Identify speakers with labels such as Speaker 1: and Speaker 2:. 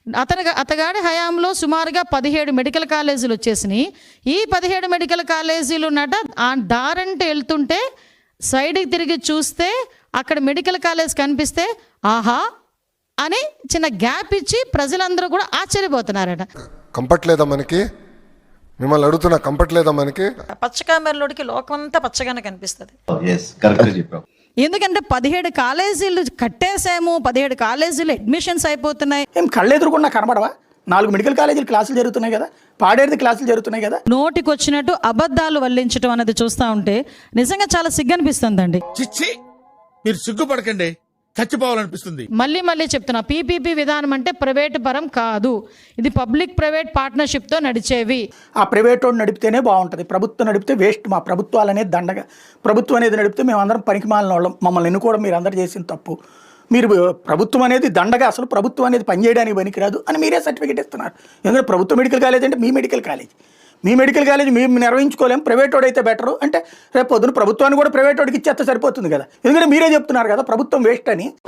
Speaker 1: అతగాడి హయాంలో సుమారుగా 17 మెడికల్ కాలేజీలు వచ్చేసినాయి. ఈ 17 మెడికల్ కాలేజీలు ఆ దారంటే వెళ్తుంటే సైడ్కి తిరిగి చూస్తే అక్కడ మెడికల్ కాలేజ్ కనిపిస్తే ఆహా అని చిన్న గ్యాప్ ఇచ్చి ప్రజలందరూ కూడా ఆశ్చర్యపోతున్నారట.
Speaker 2: కంఫర్ట్ లేదా మనకి? మిమ్మల్ని అడుగుతున్నా, కంఫర్ట్ లేదా మనకి?
Speaker 1: పచ్చకామెరలోడికి లోకమంతా పచ్చగానే కనిపిస్తుంది. ఎందుకంటే 17 కాలేజీలు కట్టేసాము, 17 కాలేజీలు అడ్మిషన్స్ అయిపోతున్నాయి.
Speaker 3: ఏం కళ్ళెదురుకున్నా కనబడవా? 4 మెడికల్ కాలేజీలు క్లాసులు జరుగుతున్నాయి కదా, పాడేది క్లాసులు జరుగుతున్నాయి కదా.
Speaker 1: నోటికి వచ్చినట్టు అబద్ధాలు వల్లించడం అనేది చూస్తూ ఉంటే నిజంగా చాలా సిగ్గనిపిస్తుందండి.
Speaker 4: చిచ్చి, మీరు సిగ్గుపడకండి, చచ్చిపోవాలనిపిస్తుంది.
Speaker 1: మళ్ళీ చెప్తున్నా, పీపీపీ విధానం అంటే ప్రైవేట్ పరం కాదు, ఇది పబ్లిక్ ప్రైవేట్ పార్ట్నర్షిప్తో నడిచేవి.
Speaker 3: ఆ ప్రైవేట్ వాడు నడిపితేనే బాగుంటుంది, ప్రభుత్వం నడిపితే వేస్ట్. మా ప్రభుత్వాలు అనేది దండగా, ప్రభుత్వం అనేది నడిపితే మేమందరం పనికిమాలిన వాళ్ళం, మమ్మల్ని ఎన్నుకోవడం మీరు అందరూ చేసిన తప్పు. మీరు ప్రభుత్వం అనేది దండగా, అసలు ప్రభుత్వం అనేది పనిచేయడానికి పనికిరాదు అని మీరే సర్టిఫికేట్ ఇస్తున్నారు. ఎందుకంటే ప్రభుత్వ మెడికల్ కాలేజ్ అంటే మీ మెడికల్ కాలేజ్, మీ మెడికల్ కాలేజ్ మేము నిర్వహించుకోలేం, ప్రైవేట్ వాడు అయితే బెటరు అంటే రేపు పొద్దున ప్రభుత్వాన్ని కూడా ప్రైవేట్ వాడికి ఇచ్చేస్తే సరిపోతుంది కదా. ఎందుకంటే మీరే చెప్తున్నారు కదా ప్రభుత్వం వేస్ట్ అని.